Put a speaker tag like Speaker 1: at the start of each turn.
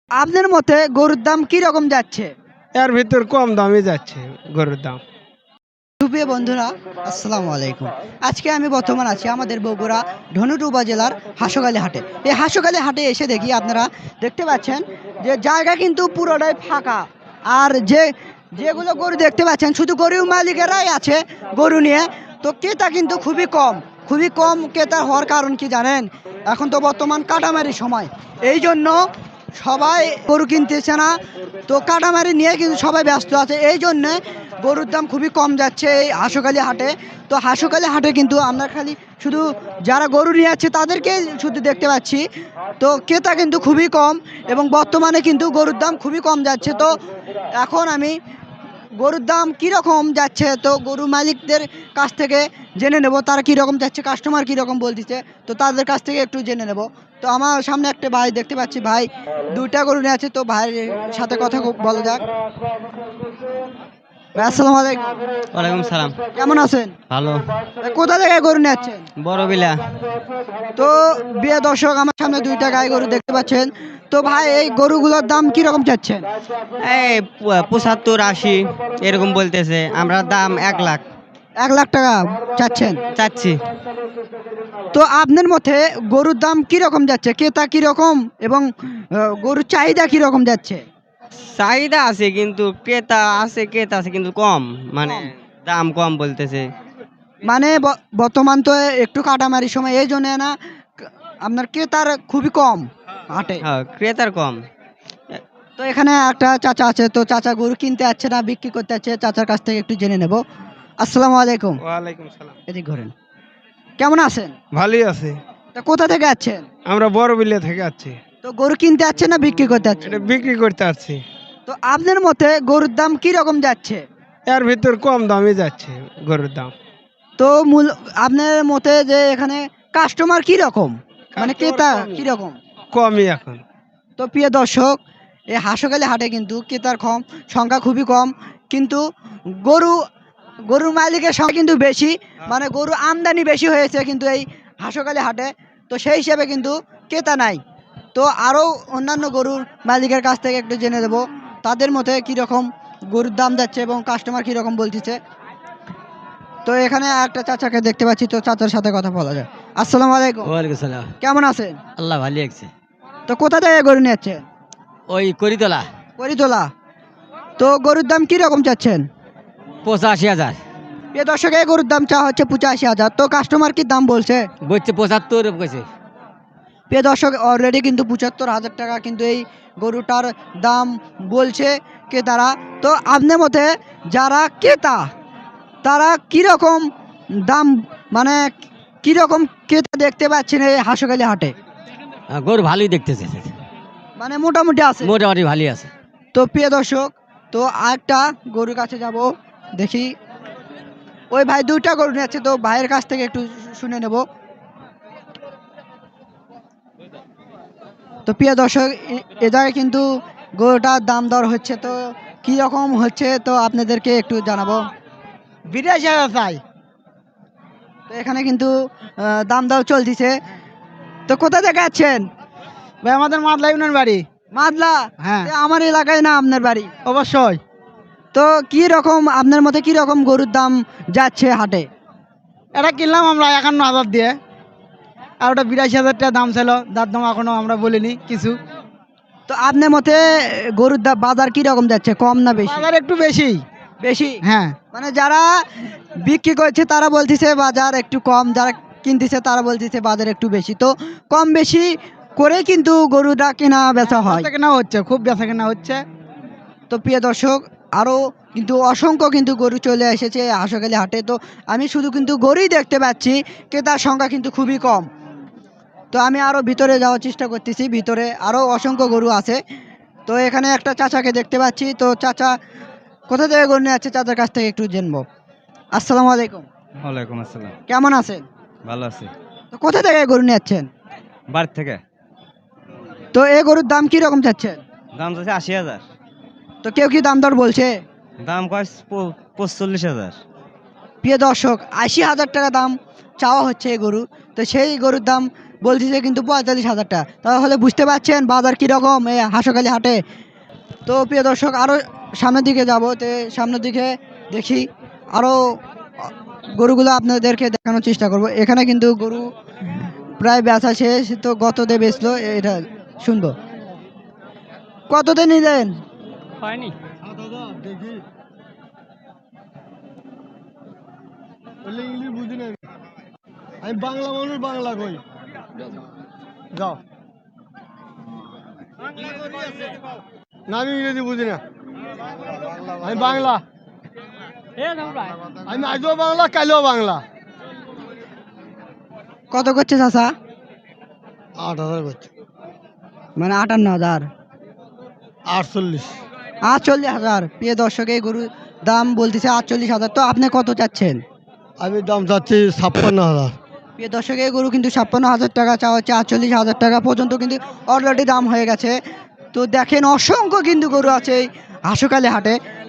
Speaker 1: আপনার মতে গরুর দাম কি রকম যাচ্ছে?
Speaker 2: এর ভিতর কম দামে যাচ্ছে গরুর দাম।
Speaker 1: সুপ্রিয় বন্ধুরা, আসসালামু আলাইকুম। আজকে আমি বর্তমান আছি আমাদের বগুড়া ধনুট উপজেলার হাঁসখালি হাটে। এই হাঁসখালি হাটে এসে দেখি আপনারা দেখতে পাচ্ছেন যে জায়গা কিন্তু পুরোটাই ফাঁকা। আর যেগুলো গরু দেখতে পাচ্ছেন শুধু গরুর মালিকেরাই আছে গরু নিয়ে। তো ক্রেতা কিন্তু খুবই কম ক্রেতা হওয়ার কারণ কি জানেন? এখন তো বর্তমান কাটামারি সময়, এই জন্য সবাই গরু কিনতেছে না। তো কাটামারি নিয়ে কিন্তু সবাই ব্যস্ত আছে, এই জন্যে গরুর দাম খুবই কম যাচ্ছে এই হাঁসখালি হাটে। তো হাঁসখালি হাটে কিন্তু আমরা খালি শুধু যারা গরু নিয়ে যাচ্ছে তাদেরকে শুধু দেখতে পাচ্ছি। তো ক্রেতা কিন্তু খুবই কম এবং বর্তমানে কিন্তু গরুর দাম খুবই কম যাচ্ছে। তো এখন আমি গরুর দাম কীরকম যাচ্ছে তো গরু মালিকদের কাছ থেকে জেনে নেব, তারা কীরকম যাচ্ছে, কাস্টমার কীরকম বলতেছে, তো তাদের কাছ থেকে একটু জেনে নেব। তো আমার সামনে একটা ভাই দেখতে পাচ্ছি, ভাই দুইটা গরু নিয়ে আছে। তো ভাইয়ের সাথে কথা বলা যাক। ভাই আসসালামু আলাইকুম।
Speaker 3: ওয়ালাইকুম সালাম।
Speaker 1: কেমন আছেন?
Speaker 3: ভালো।
Speaker 1: ভাই কোথা থেকে গরু নিয়ে যাচ্ছেন?
Speaker 3: বড় বিলা।
Speaker 1: তো বিয়ে দর্শক, আমার সামনে দুইটা গাই গরু দেখতে পাচ্ছেন। তো ভাই এই গরুগুলোর দাম কীরকম চাচ্ছেন?
Speaker 3: এই ৭৫-৮০ এরকম বলতেছে, আমরা দাম ১ লাখ
Speaker 1: 1 লাখ টাকা চাচ্ছেন?
Speaker 3: চাচ্ছি।
Speaker 1: তো আপনার মতে গরুর দাম কিরকম যাচ্ছে, ক্রেতা কিরকম এবং গরুর চাহিদা কিরকম যাচ্ছে?
Speaker 3: চাহিদা আছে কিন্তু ক্রেতা আছে কিন্তু কম, মানে দাম কম বলতেছে।
Speaker 1: মানে বর্তমান তো একটু কাটামারি সময়, এই জন্য না আপনার ক্রেতার খুবই কম হাটে।
Speaker 3: হ্যাঁ, ক্রেতার কম।
Speaker 1: তো এখানে একটা চাচা আছে, তো চাচা গরু কিনতে যাচ্ছে না বিক্রি করতে যাচ্ছে, চাচার কাছ থেকে একটু জেনে নেব। আসসালামু আলাইকুম।
Speaker 2: ওয়ালাইকুম সালাম।
Speaker 1: এদিক ঘোরেন। কেমন আছেন?
Speaker 2: ভালোই আছে।
Speaker 1: তো কোথা থেকে আছেন?
Speaker 2: আমরা বড় বিলে থেকে আছি।
Speaker 1: তো গরু কিনতে যাচ্ছে না বিক্রি করতে যাচ্ছে?
Speaker 2: এটা বিক্রি করতে আসছি।
Speaker 1: তো আপনার মতে গরুর দাম কি রকম যাচ্ছে?
Speaker 2: এর ভিতর কম দামে যাচ্ছে গরুর দাম।
Speaker 1: তো আপনার মতে যে এখানে কাস্টমার কি রকম, মানে ক্রেতা কি রকম?
Speaker 2: কমই এখন।
Speaker 1: তো প্রিয় দর্শক, এই হাঁসখালি হাটে কিন্তু ক্রেতার সংখ্যা খুবই কম, কিন্তু গরু গরুর মালিকের সংখ্যা কিন্তু বেশি, মানে গরু আমদানি বেশি হয়েছে কিন্তু এই হাঁসখালি হাটে। তো সেই হিসেবে কিন্তু ক্রেতা নাই। তো আরও অন্যান্য গরুর মালিকের কাছ থেকে একটু জেনে দেবো তাদের মতে কীরকম গরুর দাম যাচ্ছে এবং কাস্টমার কীরকম বলতেছে। তো এখানে একটা চাচাকে দেখতে পাচ্ছি, তো চাচার সাথে কথা বলা যায়। আসসালামু আলাইকুম।
Speaker 3: ওয়ালাইকুম সালাম।
Speaker 1: কেমন আছেন?
Speaker 3: আল্লাহ ভালো আছে।
Speaker 1: তো কোথা থেকে গরু নিয়ে যাচ্ছেন?
Speaker 3: ওই করিতলা।
Speaker 1: করিতলা। তো গরুর দাম কি রকম চাচ্ছেন?
Speaker 3: ৮৫,০০০
Speaker 1: এ দর্শক, এই গরুর দাম চা হচ্ছে 85,000। তো কাস্টমার কি দাম বলছে?
Speaker 3: বলছে ৭৫ কইছে।
Speaker 1: প্রিয় দর্শক, অলরেডি কিন্তু 75,000 টাকা কিন্তু এই গরুটার দাম বলছে ক্রেতারা। তো আপনার মতে যারা ক্রেতা তারা কীরকম দাম, মানে কীরকম ক্রেতা দেখতে পাচ্ছেন এই হাঁসখালি হাটে?
Speaker 3: গরু ভালোই দেখতেছে,
Speaker 1: মানে মোটামুটি আছে।
Speaker 3: মোটামুটি ভালোই আছে।
Speaker 1: তো প্রিয় দর্শক, তো আরেকটা গরুর কাছে যাব, দেখি ওই ভাই দুইটা গরু নিয়ে যাচ্ছে, তো ভাইয়ের কাছ থেকে একটু শুনে নেব। তো প্রিয় দর্শক, এ জায়গায় কিন্তু গরুটার দাম দর হচ্ছে, তো কি রকম হচ্ছে তো আপনাদেরকে একটু জানাবো। 82,000 চাই। তো এখানে কিন্তু দাম দর চলতেছে। তো কোথা থেকে আছেন?
Speaker 2: ভাই আমাদের মাদলা ইউনিয়ন বাড়ি।
Speaker 1: মাদলা?
Speaker 2: হ্যাঁ।
Speaker 1: আমার এলাকায় না আপনার বাড়ি?
Speaker 2: অবশ্যই।
Speaker 1: তো কি রকম আপনার মতে কি রকম গরুর দাম যাচ্ছে হাটে?
Speaker 2: এটা কিনলাম আমরা ৫১,০০০ দিয়ে, আর ওটা ৮২,০০০ টাকা দাম ছিল। দাম এখনো আমরা বলিনি কিছু।
Speaker 1: তো আপনার মতে গরুর দাম বাজার কি রকম যাচ্ছে, কম না বেশি?
Speaker 2: বাজার একটু বেশি।
Speaker 1: বেশি?
Speaker 2: হ্যাঁ।
Speaker 1: মানে যারা বিক্রি করছে তারা বলতেছে বাজার একটু কম, যারা কিনতেছে তারা বলতেছে বাজার একটু বেশি। তো কম বেশি করে কিন্তু গরুটা কেনা বেচা হয়।
Speaker 2: বেচা কেনা হচ্ছে, খুব বেচা কেনা হচ্ছে।
Speaker 1: তো প্রিয় দর্শক, আরও কিন্তু অসংখ্য কিন্তু গরু চলে এসেছে হাঁসখালি হাটে। তো আমি শুধু কিন্তু গরুই দেখতে পাচ্ছি, ক্রেতার সংখ্যা কিন্তু খুবই কম। তো আমি আরও ভিতরে যাওয়ার চেষ্টা করতেছি, ভিতরে আরও অসংখ্য গরু আছে। তো এখানে একটা চাচাকে দেখতে পাচ্ছি, তো চাচা কোথা থেকে গরু নিয়ে যাচ্ছে চাচার কাছ থেকে একটু জানবো। আসসালামু আলাইকুম।
Speaker 4: ওয়ালাইকুম আসসালাম।
Speaker 1: কেমন আছেন?
Speaker 4: ভালো আছি।
Speaker 1: তো কোথা থেকে গরু নিয়ে যাচ্ছেন?
Speaker 4: বাড়ি থেকে।
Speaker 1: তো এই গরুর দাম কি রকম চাচ্ছেন?
Speaker 4: দাম চাচ্ছে ৮০,০০০।
Speaker 1: তো কেউ কি দাম দর বলছে?
Speaker 4: দাম কয় ৪৫,০০০।
Speaker 1: প্রিয় দর্শক, 80,000 টাকা দাম চাওয়া হচ্ছে এই গরু। তো সেই গরুর দাম বলতেছে কিন্তু 45,000 টাকা। তাহলে বুঝতে পারছেন বাজার কীরকম এই হাঁসখালি হাটে। তো প্রিয় দর্শক আরও সামনের দিকে যাব, তো সামনের দিকে দেখি আরও গরুগুলো আপনাদেরকে দেখানোর চেষ্টা করব। এখানে কিন্তু গরু প্রায় বেচা শেষ, তো গততে বেচলো এটা শুনবো। কততে নিলেন?
Speaker 3: হয়নি।
Speaker 2: আমি বাংলা মানুষ, বাংলা কই যাও না, আমি ইংরেজি বুঝি না, আমি বাংলা, আমি আজও বাংলা কালও বাংলা।
Speaker 1: কত করছে চাচা?
Speaker 2: 8,000 করছে।
Speaker 1: মানে 58,000।
Speaker 2: 48।
Speaker 1: 48,000। প্রিয় দর্শক এই গরুর দাম বলতেছে 48,000। তো আপনি কত চাচ্ছেন?
Speaker 2: আমি দাম চাচ্ছি 56,000।
Speaker 1: প্রিয় দর্শক এই গরু কিন্তু 56,000 টাকা চাওয়া হচ্ছে, 48,000 টাকা পর্যন্ত কিন্তু অলরেডি দাম হয়ে গেছে। তো দেখেন অসংখ্য কিন্তু গরু আছে এই হাঁসখালি হাটে।